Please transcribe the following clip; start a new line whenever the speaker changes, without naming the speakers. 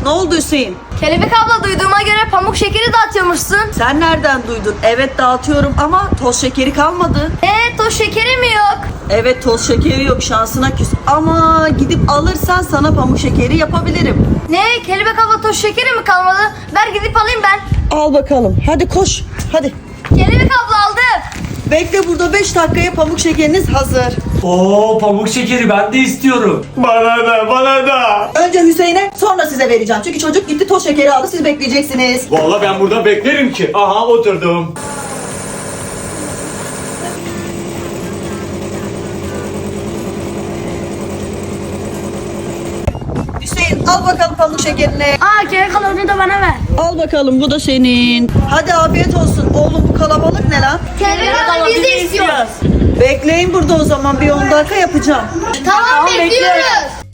Ne oldu Hüseyin?
Kelebek abla, duyduğuma göre pamuk şekeri dağıtıyormuşsun.
Sen nereden duydun? Evet dağıtıyorum ama toz şekeri kalmadı.
Toz şekeri mi yok?
Evet toz şekeri yok, şansına küs. Ama gidip alırsan sana pamuk şekeri yapabilirim.
Ne? Kelebek abla, toz şekeri mi kalmadı? Ver gidip alayım ben.
Al bakalım. Hadi koş. Hadi.
Kelebek abla aldı.
Bekle burada, 5 dakikaya pamuk şekeriniz hazır.
Oo, pamuk şekeri ben de istiyorum.
Bana da, bana da.
Önce Hüseyin'e, sonra size vereceğim. Çünkü çocuk gitti toz şekeri aldı, siz bekleyeceksiniz.
Vallahi ben burada beklerim ki. Aha oturdum.
Hüseyin al bakalım pamuk şekerini.
Kelebek abla, onu da bana ver.
Al bakalım, bu da senin. Hadi afiyet olsun. Oğlum bu kalabalık ne lan?
Kelebek abla, biz de istiyoruz.
Bekleyin burada o zaman, bir 10 dakika yapacağım.
Tamam, bekliyoruz.